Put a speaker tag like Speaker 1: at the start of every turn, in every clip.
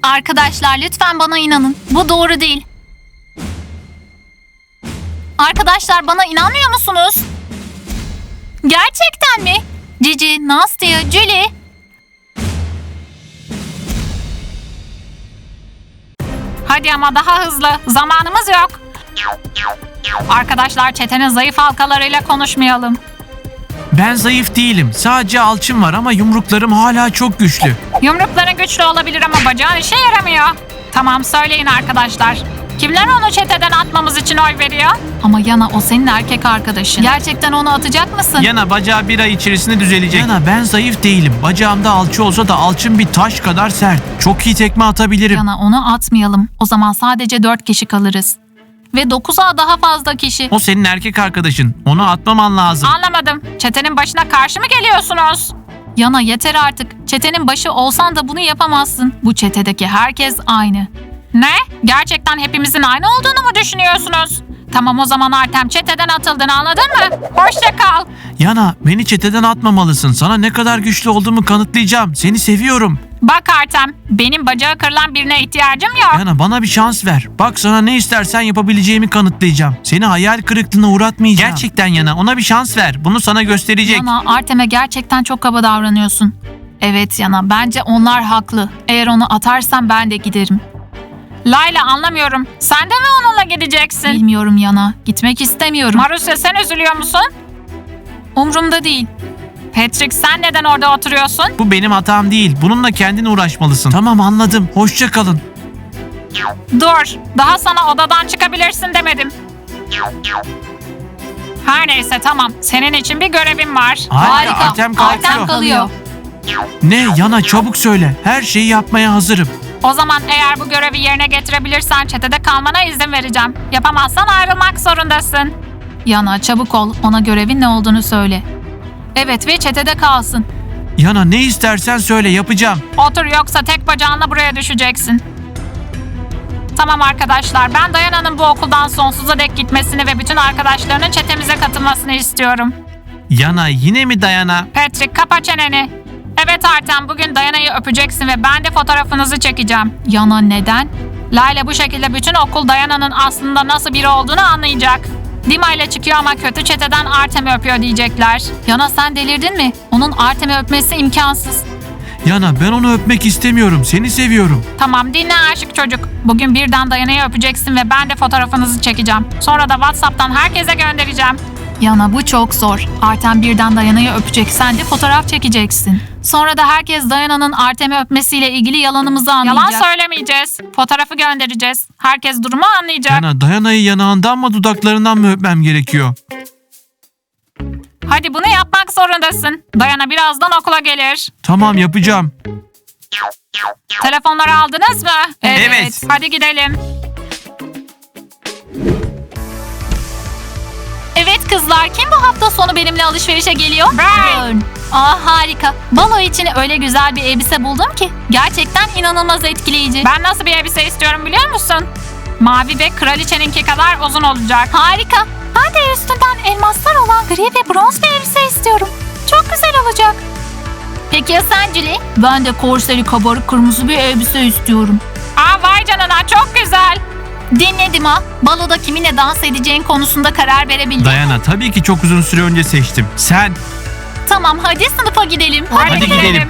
Speaker 1: Arkadaşlar lütfen bana inanın. Bu doğru değil. Arkadaşlar bana inanmıyor musunuz? Gerçekten mi? Cici, Nastya, Julie.
Speaker 2: Hadi ama daha hızlı. Zamanımız yok. Arkadaşlar çetenin zayıf halkalarıyla konuşmayalım.
Speaker 3: Ben zayıf değilim. Sadece alçım var ama yumruklarım hala çok güçlü.
Speaker 2: Yumrukların güçlü olabilir ama bacağın işe yaramıyor. Tamam söyleyin arkadaşlar. Kimler onu çeteden atmamız için oy veriyor?
Speaker 1: Ama Yana o senin erkek arkadaşın. Gerçekten onu atacak mısın?
Speaker 3: Yana bacağı bir ay içerisinde düzelecek. Yana ben zayıf değilim. Bacağımda alçı olsa da alçım bir taş kadar sert. Çok iyi tekme atabilirim.
Speaker 1: Yana onu atmayalım. O zaman sadece 4 kişi kalırız. Ve 9'a daha fazla kişi.
Speaker 3: O senin erkek arkadaşın. Onu atmaman lazım.
Speaker 2: Anlamadım. Çetenin başına karşı mı geliyorsunuz?
Speaker 1: Yana yeter artık. Çetenin başı olsan da bunu yapamazsın. Bu çetedeki herkes aynı.
Speaker 2: Ne? Gerçekten hepimizin aynı olduğunu mu düşünüyorsunuz? Tamam o zaman Artem çeteden atıldın anladın mı? Hoşça kal.
Speaker 3: Yana beni çeteden atmamalısın. Sana ne kadar güçlü olduğumu kanıtlayacağım. Seni seviyorum.
Speaker 2: Bak Artem benim bacağı kırılan birine ihtiyacım yok.
Speaker 3: Yana bana bir şans ver. Bak sana ne istersen yapabileceğimi kanıtlayacağım. Seni hayal kırıklığına uğratmayacağım. Gerçekten Yana ona bir şans ver. Bunu sana gösterecek.
Speaker 1: Yana Artem'e gerçekten çok kaba davranıyorsun. Evet Yana bence onlar haklı. Eğer onu atarsan ben de giderim.
Speaker 2: Layla anlamıyorum. Sen de mi onunla gideceksin?
Speaker 1: Bilmiyorum Yana. Gitmek istemiyorum.
Speaker 2: Marusya sen üzülüyor musun?
Speaker 1: Umrumda değil.
Speaker 2: Patrick sen neden orada oturuyorsun?
Speaker 3: Bu benim hatam değil. Bununla kendin uğraşmalısın. Tamam anladım. Hoşça kalın.
Speaker 2: Dur. Daha sana odadan çıkabilirsin demedim. Her neyse tamam. Senin için bir görevim var.
Speaker 3: Harika. Artem kalkıyor.
Speaker 1: Artem kalıyor.
Speaker 3: Ne? Yana çabuk söyle. Her şeyi yapmaya hazırım.
Speaker 2: O zaman eğer bu görevi yerine getirebilirsen çetede kalmana izin vereceğim. Yapamazsan ayrılmak zorundasın.
Speaker 1: Yana çabuk ol. Ona görevin ne olduğunu söyle. Evet ve çetede kalsın.
Speaker 3: Yana ne istersen söyle yapacağım.
Speaker 2: Otur yoksa tek bacağınla buraya düşeceksin. Tamam arkadaşlar ben Dayana'nın bu okuldan sonsuza dek gitmesini ve bütün arkadaşlarının çetemize katılmasını istiyorum.
Speaker 3: Yana yine mi Dayana?
Speaker 2: Patrick kapa çeneni. Evet Artem bugün Dayana'yı öpeceksin ve ben de fotoğrafınızı çekeceğim.
Speaker 1: Yana neden?
Speaker 2: Layla bu şekilde bütün okul Dayana'nın aslında nasıl biri olduğunu anlayacak. Dima ile çıkıyor ama kötü çeteden Artem'i öpüyor diyecekler.
Speaker 1: Yana sen delirdin mi? Onun Artem'i öpmesi imkansız.
Speaker 3: Yana ben onu öpmek istemiyorum. Seni seviyorum.
Speaker 2: Tamam dinle aşık çocuk. Bugün birden Dayana'yı öpeceksin ve ben de fotoğrafınızı çekeceğim. Sonra da WhatsApp'tan herkese göndereceğim.
Speaker 1: Yana bu çok zor. Artem birden Dayana'yı öpecek. Sen de fotoğraf çekeceksin. Sonra da herkes Dayana'nın Artem'i öpmesiyle ilgili yalanımızı anlayacak.
Speaker 2: Yalan söylemeyeceğiz. Fotoğrafı göndereceğiz. Herkes durumu anlayacak.
Speaker 3: Yana Dayana'yı yanağından mı dudaklarından mı öpmem gerekiyor?
Speaker 2: Hadi bunu yapmak zorundasın. Dayana birazdan okula gelir.
Speaker 3: Tamam yapacağım.
Speaker 2: Telefonları aldınız mı?
Speaker 3: Evet.
Speaker 2: Hadi gidelim.
Speaker 1: Evet kızlar, kim bu hafta sonu benimle alışverişe geliyor?
Speaker 2: Ben.
Speaker 1: Harika. Balo için öyle güzel bir elbise buldum ki. Gerçekten inanılmaz etkileyici.
Speaker 2: Ben nasıl bir elbise istiyorum biliyor musun? Mavi ve kraliçeninki kadar uzun olacak.
Speaker 1: Harika. Ben de üstünden elmaslar olan gri ve bronz bir elbise istiyorum. Çok güzel olacak. Peki ya sen Julie? Ben de korseli kabarık kırmızı bir elbise istiyorum.
Speaker 2: Aa vay canına çok güzel.
Speaker 1: Dinledim ha. Baloda kiminle dans edeceğin konusunda karar verebildim.
Speaker 3: Dayana tabii ki çok uzun süre önce seçtim. Sen?
Speaker 1: Tamam hadi sınıfa gidelim.
Speaker 3: Hadi gidelim.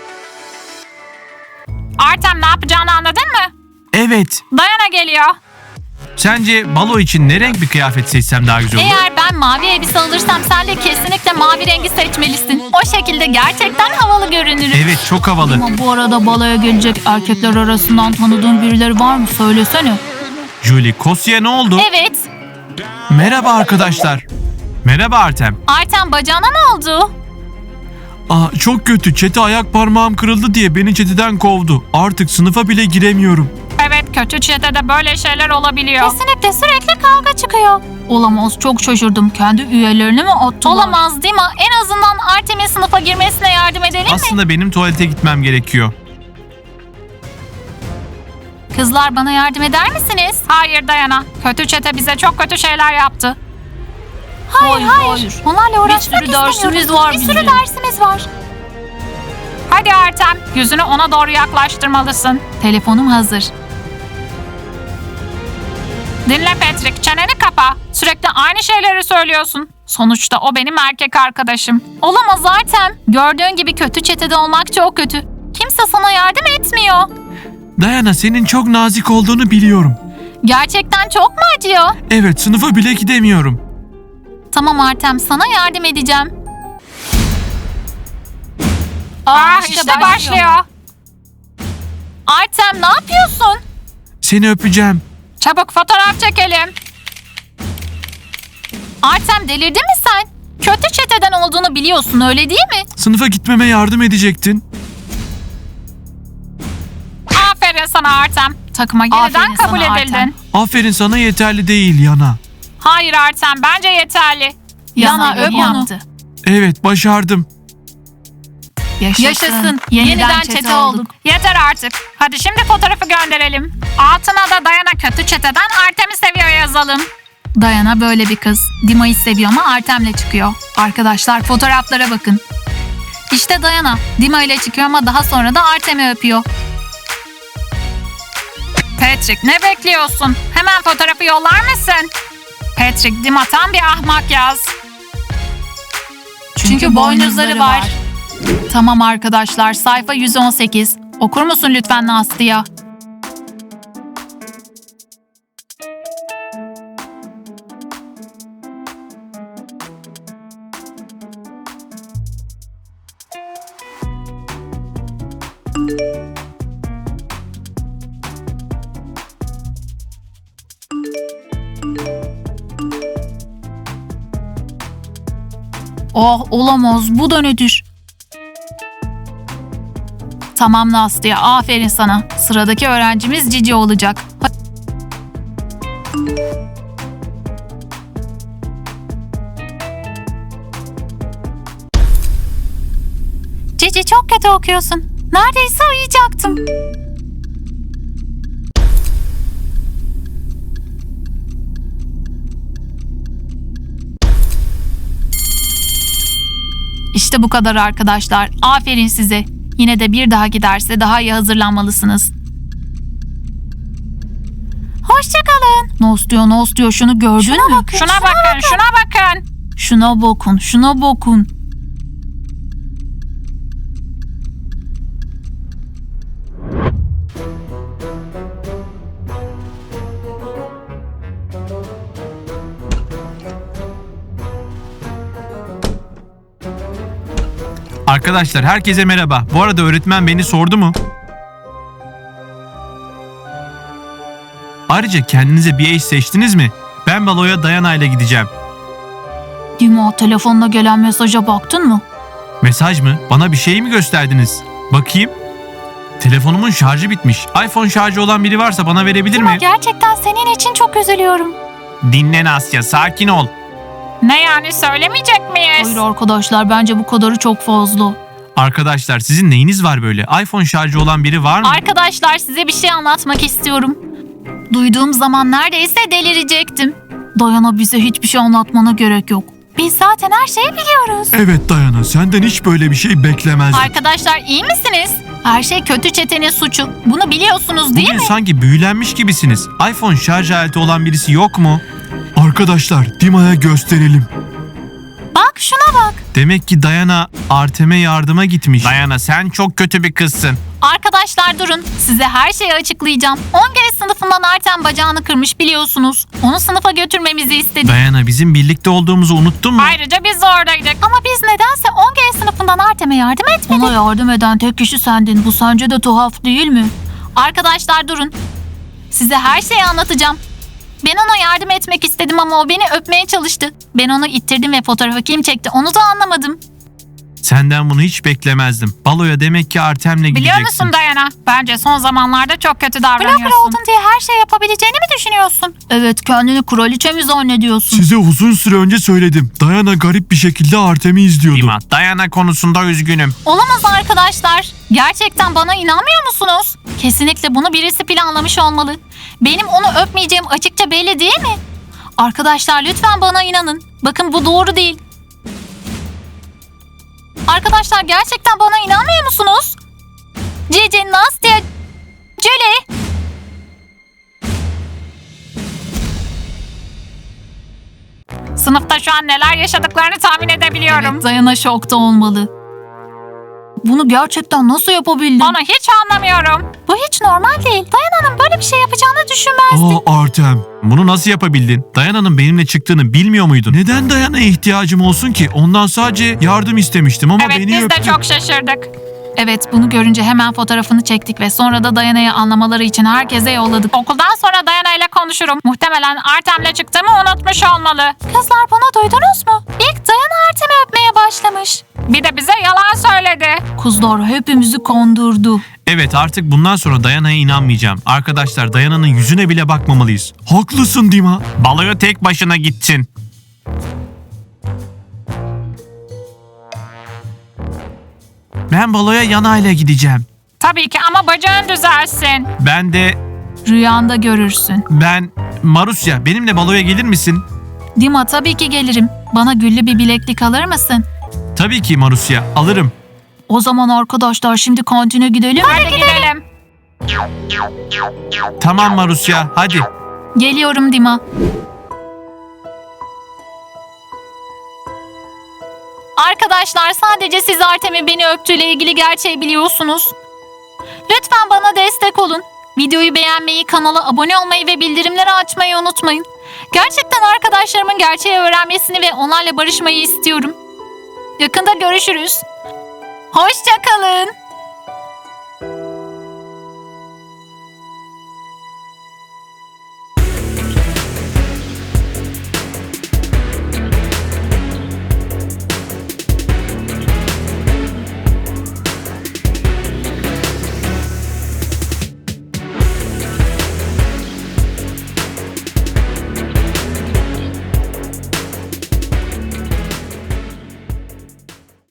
Speaker 2: Artem ne yapacağını anladın mı?
Speaker 3: Evet.
Speaker 2: Dayana geliyor.
Speaker 3: Sence balo için ne renk bir kıyafet seçsem daha güzel olur?
Speaker 1: Eğer ben mavi elbise alırsam sen de kesinlikle mavi rengi seçmelisin. O şekilde gerçekten havalı görünürüm.
Speaker 3: Evet çok havalı.
Speaker 1: Ama bu arada baloya gelecek erkekler arasından tanıdığın birileri var mı? Söylesene.
Speaker 3: Julie, Kosya ne oldu?
Speaker 1: Evet.
Speaker 3: Merhaba arkadaşlar. Merhaba Artem.
Speaker 1: Artem bacağına ne oldu?
Speaker 3: Çok kötü. Çete ayak parmağım kırıldı diye beni çeteden kovdu. Artık sınıfa bile giremiyorum.
Speaker 2: Evet kötü çetede böyle şeyler olabiliyor.
Speaker 1: Kesinlikle sürekli kavga çıkıyor. Olamaz, çok şaşırdım. Kendi üyelerini mi attılar? Olamaz değil mi? En azından Artem'in sınıfa girmesine yardım edelim mi?
Speaker 3: Aslında benim tuvalete gitmem gerekiyor.
Speaker 1: Kızlar bana yardım eder misiniz?
Speaker 2: Hayır Dayana. Kötü çete bize çok kötü şeyler yaptı.
Speaker 1: Hayır. Onlarla uğraşmak istemiyoruz. Bir sürü dersimiz var.
Speaker 2: Hadi Artem, yüzünü ona doğru yaklaştırmalısın.
Speaker 1: Telefonum hazır.
Speaker 2: Dinle Patrick, çeneni kapa. Sürekli aynı şeyleri söylüyorsun. Sonuçta o benim erkek arkadaşım.
Speaker 1: Olamaz Artem. Gördüğün gibi kötü çetede olmak çok kötü. Kimse sana yardım etmiyor.
Speaker 3: Dayana, senin çok nazik olduğunu biliyorum.
Speaker 1: Gerçekten çok mu acıyor?
Speaker 3: Evet, sınıfa bile gidemiyorum.
Speaker 1: Tamam Artem, sana yardım edeceğim.
Speaker 2: İşte başlıyor.
Speaker 1: Artem ne yapıyorsun?
Speaker 3: Seni öpeceğim.
Speaker 2: Çabuk fotoğraf çekelim.
Speaker 1: Artem delirdin mi sen? Kötü çeteden olduğunu biliyorsun öyle değil mi?
Speaker 3: Sınıfa gitmeme yardım edecektin.
Speaker 2: Aferin sana Artem. Takıma yeniden
Speaker 1: Aferin
Speaker 2: kabul
Speaker 1: sana
Speaker 2: edildin.
Speaker 1: Artem.
Speaker 3: Aferin sana yeterli değil Yana.
Speaker 2: Hayır Artem, bence yeterli.
Speaker 1: Yana öp onu.
Speaker 3: Evet, başardım.
Speaker 1: Yaşasın. Yeniden çete olduk.
Speaker 2: Yeter artık. Hadi şimdi fotoğrafı gönderelim. Altına da Dayana kötü çeteden Artem'i seviyor yazalım.
Speaker 1: Dayana böyle bir kız. Dima'yı seviyor ama Artem'le çıkıyor. Arkadaşlar fotoğraflara bakın. İşte Dayana. Dima ile çıkıyor ama daha sonra da Artem'i öpüyor.
Speaker 2: Patrick, ne bekliyorsun? Hemen fotoğrafı yollar mısın? Patrick, Dima tam bir ahmak yaz.
Speaker 1: Çünkü boynuzları var. Tamam arkadaşlar, sayfa 118. Okur musun lütfen Nastya? Oh olamaz, bu da nedir? Tamam Nastya, aferin sana. Sıradaki öğrencimiz Cici olacak. Cici çok kötü okuyorsun. Neredeyse uyuyacaktım. İşte bu kadar arkadaşlar. Aferin size. Yine de bir daha giderse daha iyi hazırlanmalısınız. Hoşçakalın. Nos diyor şunu gördün mü?
Speaker 2: Şuna bakın, şuna bakın.
Speaker 1: Şuna bakın, şuna bakın.
Speaker 3: Arkadaşlar, herkese merhaba. Bu arada öğretmen beni sordu mu? Ayrıca kendinize bir eş seçtiniz mi? Ben baloya Dayana ile gideceğim.
Speaker 1: Dima, telefonla gelen mesaja baktın mı?
Speaker 3: Mesaj mı? Bana bir şey mi gösterdiniz? Bakayım. Telefonumun şarjı bitmiş. iPhone şarjı olan biri varsa bana verebilir mi?
Speaker 1: Gerçekten senin için çok üzülüyorum.
Speaker 3: Dinle Nasya, sakin ol.
Speaker 2: Ne yani, söylemeyecek miyiz?
Speaker 1: Hayır arkadaşlar, bence bu kadarı çok fazla.
Speaker 3: Arkadaşlar, sizin neyiniz var böyle? iPhone şarjı olan biri var mı?
Speaker 1: Arkadaşlar, size bir şey anlatmak istiyorum. Duyduğum zaman neredeyse delirecektim. Dayana, bize hiçbir şey anlatmana gerek yok. Biz zaten her şeyi biliyoruz.
Speaker 3: Evet Dayana, senden hiç böyle bir şey beklemezdim.
Speaker 1: Arkadaşlar, iyi misiniz? Her şey kötü çetenin suçu. Bunu biliyorsunuz değil
Speaker 3: Bugün
Speaker 1: mi?
Speaker 3: sanki büyülenmiş gibisiniz. iPhone şarj aleti olan birisi yok mu? Arkadaşlar, Dima'ya gösterelim.
Speaker 1: Bak şuna bak.
Speaker 3: Demek ki Dayana Artem'e yardıma gitmiş. Dayana, sen çok kötü bir kızsın.
Speaker 1: Arkadaşlar durun. Size her şeyi açıklayacağım. 10 kere sınıfından Artem bacağını kırmış biliyorsunuz. Onu sınıfa götürmemizi istedi.
Speaker 3: Dayana, bizim birlikte olduğumuzu unuttun mu?
Speaker 2: Ayrıca biz de oradaydık.
Speaker 1: Ama biz nedense 10 kere sınıfından Artem'e yardım etmedik. Ona yardım eden tek kişi sendin. Bu sence de tuhaf değil mi? Arkadaşlar durun. Size her şeyi anlatacağım. Ben ona yardım etmek istedim ama o beni öpmeye çalıştı. Ben onu ittirdim ve fotoğrafı kim çekti onu da anlamadım.
Speaker 3: Senden bunu hiç beklemezdim. Baloya demek ki Artem'le gideceksin.
Speaker 2: Biliyor musun Dayana? Bence son zamanlarda çok kötü
Speaker 1: Blogger
Speaker 2: davranıyorsun.
Speaker 1: oldun diye her şey yapabileceğini mi düşünüyorsun? Evet, kendini kraliçe mi zannediyorsun?
Speaker 4: Size uzun süre önce söyledim. Dayana garip bir şekilde Artem'i izliyordu.
Speaker 3: Dima, Dayana konusunda üzgünüm.
Speaker 1: Olamaz arkadaşlar. Gerçekten bana inanmıyor musunuz? Kesinlikle bunu birisi planlamış olmalı. Benim onu öpmeyeceğim açıkça belli değil mi? Arkadaşlar lütfen bana inanın. Bakın bu doğru değil. Arkadaşlar gerçekten bana inanmıyor musunuz? Cici, Nastya, Julie.
Speaker 2: Sınıfta şu an neler yaşadıklarını tahmin edebiliyorum.
Speaker 1: Evet, Dayana şokta olmalı. Bunu gerçekten nasıl yapabildin?
Speaker 2: Onu hiç anlamıyorum.
Speaker 1: Bu hiç normal değil. Dayana'nın böyle bir şey yapacağını düşünmezdim.
Speaker 4: Artem.
Speaker 3: Bunu nasıl yapabildin? Dayana'nın benimle çıktığını bilmiyor muydun?
Speaker 4: Neden Dayana'ya ihtiyacım olsun ki? Ondan sadece yardım istemiştim ama
Speaker 2: Evet
Speaker 4: beni
Speaker 2: biz
Speaker 4: öptü.
Speaker 2: de çok şaşırdık.
Speaker 1: Evet, bunu görünce hemen fotoğrafını çektik ve sonra da Dayana'yı anlamaları için herkese yolladık.
Speaker 2: Okuldan sonra Dayana ile konuşurum. Muhtemelen Artem'le çıktığımı unutmuş olmalı.
Speaker 1: Kızlar, bunu duydunuz mu? İlk Dayana Artem'i öpmeye başlamış.
Speaker 2: Bir de bize yalan söyledi.
Speaker 1: Kızlar hepimizi kondurdu.
Speaker 3: Evet, artık bundan sonra Dayana'ya inanmayacağım. Arkadaşlar, Dayana'nın yüzüne bile bakmamalıyız.
Speaker 4: Haklısın Dima.
Speaker 3: Baloya tek başına gitsin. Ben baloya Yana ile gideceğim.
Speaker 2: Tabii ki ama bacağın düzelsin.
Speaker 1: Rüyanda görürsün.
Speaker 3: Marusya, benimle baloya gelir misin?
Speaker 1: Dima, tabii ki gelirim. Bana güllü bir bileklik alır mısın?
Speaker 3: Tabii ki Marusya, alırım.
Speaker 1: O zaman arkadaşlar şimdi kantine gidelim.
Speaker 2: Hadi gidelim.
Speaker 3: Tamam Marusya, hadi.
Speaker 1: Geliyorum Dima. Arkadaşlar, sadece siz Artem'in beni öptüğüyle ilgili gerçeği biliyorsunuz. Lütfen bana destek olun. Videoyu beğenmeyi, kanala abone olmayı ve bildirimleri açmayı unutmayın. Gerçekten arkadaşlarımın gerçeği öğrenmesini ve onlarla barışmayı istiyorum. Yakında görüşürüz. Hoşça kalın.